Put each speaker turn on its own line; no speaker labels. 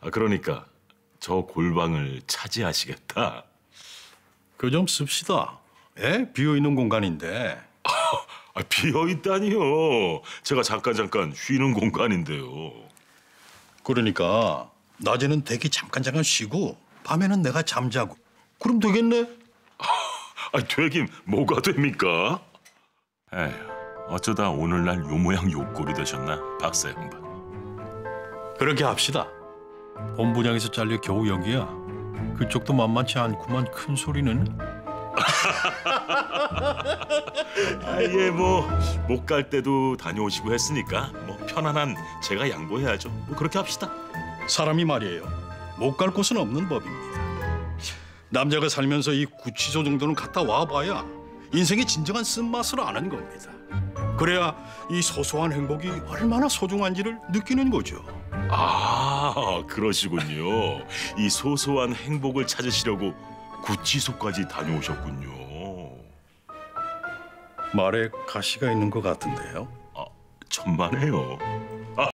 그러니까 저 골방을 차지하시겠다.
그 좀 씁시다. 예? 비어있는 공간인데.
비어있다니요. 제가 잠깐 쉬는 공간인데요.
그러니까 낮에는 댁이 잠깐 쉬고 밤에는 내가 잠자고. 그럼 되겠네?
되긴 뭐가 됩니까? 에휴, 어쩌다 오늘날 요 모양 요 꼴이 되셨나, 박사 양반.
그렇게 합시다. 본부장에서 잘려 겨우 여기야. 그쪽도 만만치 않구만. 큰 소리는.
예, 뭐 못 갈 때도 다녀오시고 했으니까 뭐 편안한 제가 양보해야죠. 뭐 그렇게 합시다.
사람이 말이에요. 못 갈 곳은 없는 법입니다. 남자가 살면서 이 구치소 정도는 갔다 와봐야 인생의 진정한 쓴맛을 아는 겁니다. 그래야 이 소소한 행복이 얼마나 소중한지를 느끼는 거죠.
그러시군요. 이 소소한 행복을 찾으시려고 구치소까지 다녀오셨군요.
말에 가시가 있는 것 같은데요.
천만에요.